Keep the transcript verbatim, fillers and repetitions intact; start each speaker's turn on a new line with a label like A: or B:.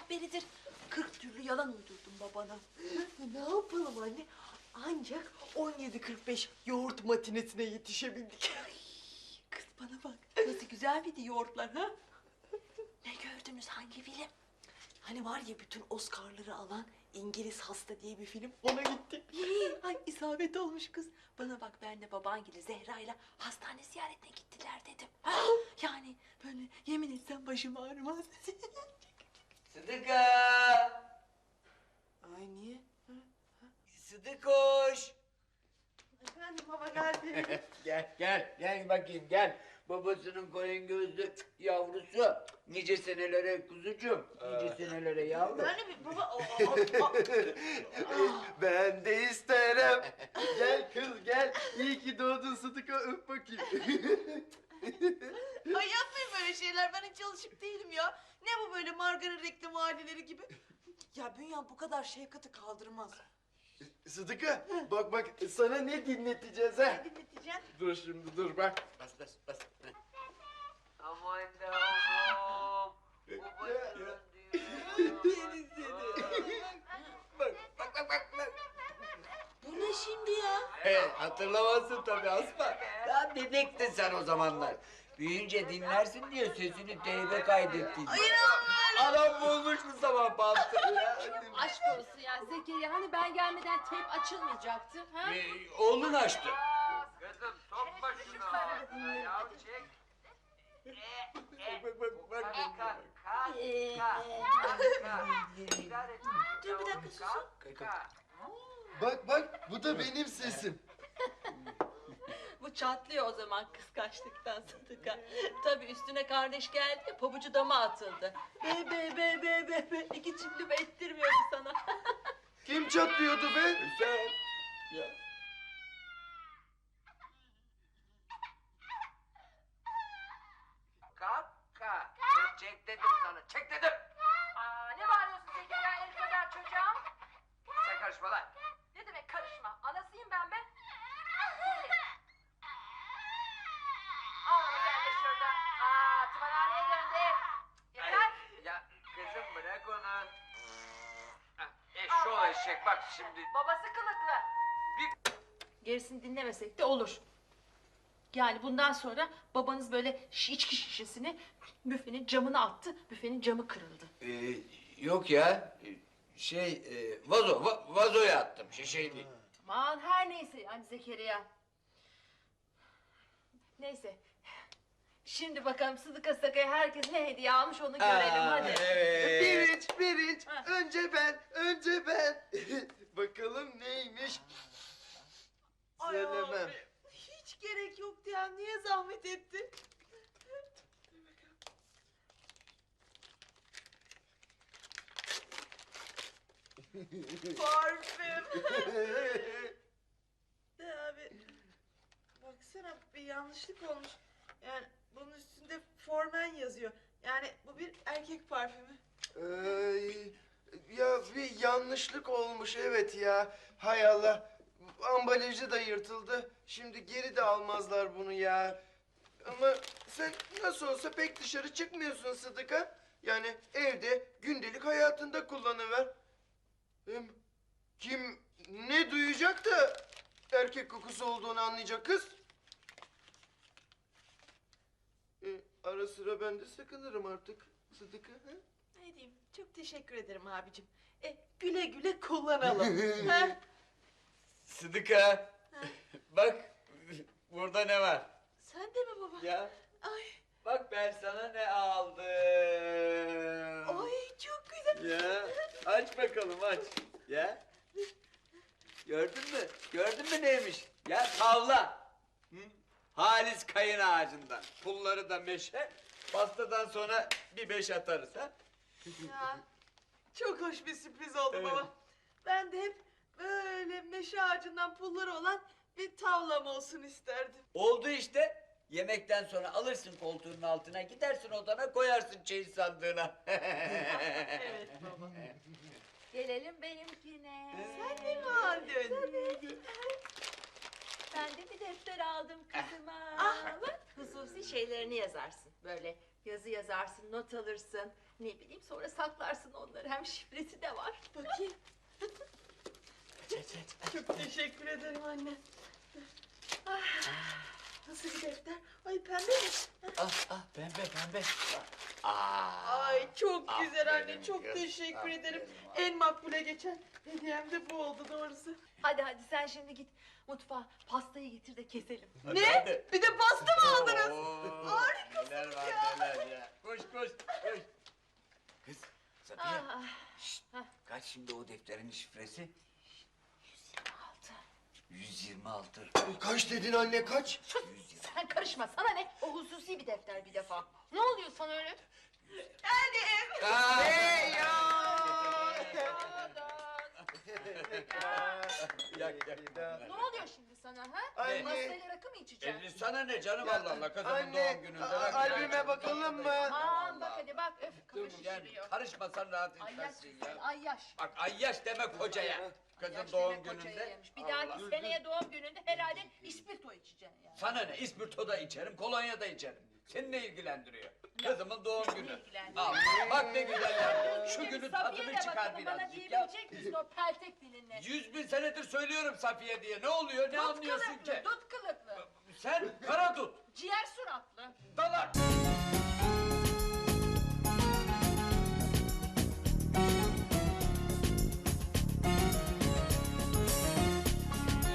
A: beridir kırk türlü yalan uydurdum babana.
B: Ne yapalım anne? Ancak on yedi kırk beş yoğurt matinesine yetişebildik.
A: Ay, kız bana bak, nasıl güzel miydi yoğurtlar ha? Ne gördünüz, hangi film?
B: Hani var ya bütün Oscar'ları alan İngiliz Hasta diye bir film, ona gittik.
A: Ay isabet olmuş kız. Bana bak, ben de babangile Zehra'yla hastane ziyaretine gittiler dedim. Ha, yani böyle yemin etsem başım ağrımaz.
C: Sıdıka!
B: Ay niye?
C: Sıdıkoş!
B: Efendim baba geldi.
C: Gel, gel, gel bakayım, gel. Babasının koyun gözlü yavrusu. Nice senelere kuzucuğum, nice senelere yavrum.
B: Yani bir baba... o- o- o-
D: Ben de isterim. Gel kız gel. İyi ki doğdun Sıdıka, öp bakayım.
B: Ay yapmayın böyle şeyler, ben hiç alışık değilim ya. Ne bu böyle margarin reklam aileleri gibi? Ya Bünyan bu kadar şefkati kaldırmaz.
D: Sıdıka bak bak sana ne dinleteceğiz ha?
B: Dinleteceğim.
D: Dur şimdi dur bak.
C: Bas, bas, bas. Aman Allah'ım. Babasının
B: Yeni seni.
C: Bak, bak, bak, bak, bak.
B: Bu ne şimdi ya?
C: He, hatırlamazsın tabii Asma. Daha bebektin sen o zamanlar. Büyüyünce dinlersin diye sesini teybe kaydettin.
B: Hayır
C: Adam bulmuş bu sabah bastı ya.
E: Aşk olsun ya Zekeriya, hani ben gelmeden teyp açılmayacaktı ha?
C: Ee, oğlun açtı. Kızım sokma şunu. Ya çek. Bak bak bak bak.
B: Dur bir dakika susun.
D: Bak bak bu da benim sesim.
A: Bu çatlıyor o zaman kıskançlıktan Sıdıka. Tabii üstüne kardeş geldi ya, pabucu dama atıldı. Be be be be be be. İki çiftli ettirmiyordu sana.
D: Kim çatlıyordu be?
C: Sen. Ya. Kalk. Çek, çek dedim sana. Çek dedim.
E: Aa, ne bağırıyorsun Zekeriya el kadar çocuğa?
C: Sen karışma lan.
E: Ne demek karışma? Anasıyım ben be. Ağlama sen de şurada. Aa, tımarhaneye döndü. Yeter.
C: Ya kızım bırak onu. Hah, Eşşoğlu eşek bak şimdi.
E: Babası kılıklı.
C: Bir...
E: Gerisini dinlemesek de olur. Yani bundan sonra babanız böyle şi- içki şişesini büfenin camına attı. Büfenin camı kırıldı.
C: Ee, yok ya. Şey, e, vazo, va- vazoya attım. Şişeyi değil.
E: Aman her neyse yani Zekeriya. Neyse. Şimdi bakalım Sıdıka Saka'ya herkes ne hediye almış onu görelim
C: Aa,
E: hadi.
C: Evet.
D: Birinç birinç.
E: Ha.
D: Önce ben önce ben. Bakalım neymiş?
B: Ay
D: Söylemem.
B: abi, hiç gerek yoktu ya, niye zahmet ettin? Parfüm. De abi, baksana bir yanlışlık olmuş. Yani bunun üstünde Formen yazıyor. Yani bu bir erkek parfümü.
D: Ay, ya bir yanlışlık olmuş evet ya. Hay Allah. Ambalajı da yırtıldı. Şimdi geri de almazlar bunu ya. Ama sen nasıl olsa pek dışarı çıkmıyorsun Sıdıka. Yani evde gündelik hayatında kullanıver. Hem kim ne duyacak da erkek kokusu olduğunu anlayacak kız. E, ara sıra ben de sakınırım artık Sıdıka. Ha?
B: Ne diyeyim? Çok teşekkür ederim abicim. E, güle güle kullanalım. Ha?
C: Sıdıka. Bak, burada ne var?
B: Sen de mi baba?
C: Ya,
B: Ay,
C: bak ben sana ne aldım.
B: ay çok güzel.
C: Ya, aç bakalım aç. Ya. Gördün mü? Gördün mü neymiş? Ya tavla. Hı? Halis kayın ağacından. Pulları da meşe. Pastadan sonra bir beş atarız ha.
B: Ya, çok hoş bir sürpriz oldu
C: Evet.
B: baba. Ben de hep böyle meşe ağacından pulları olan bir tavlam olsun isterdim.
C: Oldu işte. Yemekten sonra alırsın koltuğunun altına, gidersin odana koyarsın çeyiz sandığına.
B: Evet baba.
E: Gelelim benimkine.
B: Sen de mi aldın?
E: Ben de bir defter aldım kızıma.
B: Ah.
E: Bak, hususi şeylerini yazarsın. Böyle Yazı yazarsın, not alırsın. Ne bileyim sonra saklarsın onları. Hem şifresi de var.
B: Bakayım.
C: Aç aç aç.
B: Çok teşekkür ederim anne. Ah, nasıl bir defter? Ay pembe mi?
C: Ah ah pembe pembe. Aa.
B: Ay çok güzel anne.
C: aferin
B: Çok
C: kız,
B: teşekkür
C: aferin
B: ederim.
C: vay.
B: En makbule geçen hediyem de bu oldu doğrusu.
E: Hadi hadi sen şimdi git mutfağa pastayı getir de keselim.
C: Hadi,
B: Ne?
C: hadi.
B: Bir de pasta mı aldınız?
C: Oo,
B: Harikasınız
C: neler var,
B: ya.
C: neler ya. Koş koş koş. Kız Safiye.
E: Ah,
C: Şşt, kaç şimdi o defterin şifresi?
E: altı.
C: yüz yirmi altı.
D: Kaç dedin anne kaç?
E: Sus, sen karışma sana ne? O hususi bir defter bir defa. Ne oluyor sana öyle?
C: Aa,
D: Hey ya!
C: yak yak.
E: Ne oluyor şimdi sana ha?
D: Anne.
E: Pastayla rakı mı içeceksin?
C: E, sana ne canım Allah Allah kızımın
D: Anne,
C: doğum gününde.
D: a-
C: bak-
D: albüme bakalım mı?
E: Aman bak hadi bak öf
C: Dur
E: kafa
C: gel
E: şişiriyor.
C: karışmasan rahat
E: Ay yaş
C: etmezsin ya.
E: ay yaş.
C: Bak ayyaş deme kocaya. Kızın
E: Yaş
C: doğum
E: demek kocaya
C: gününde.
E: yemiş. Bir dahaki seneye doğum gününde herhalde ispirto içeceksin yani.
C: Sana ne? İspirto da içerim, kolonya da içerim. Seni ne ilgilendiriyor? Kızımın doğum günü.
E: ilgilendiriyor?
C: Al, bak ne güzel ya. Şu
E: Benim
C: günün
E: Safiye
C: tadını
E: de
C: çıkar
E: bakalım bana
C: birazcık ya.
E: diyebilecek misin o peltek dilinle?
C: Yüz bin senedir söylüyorum Safiye diye. Ne oluyor? Ne
E: Dut
C: anlıyorsun
E: kılıklı,
C: ki?
E: dut kılıklı,
C: Sen kara tut.
E: ciğer suratlı.
C: Dalak.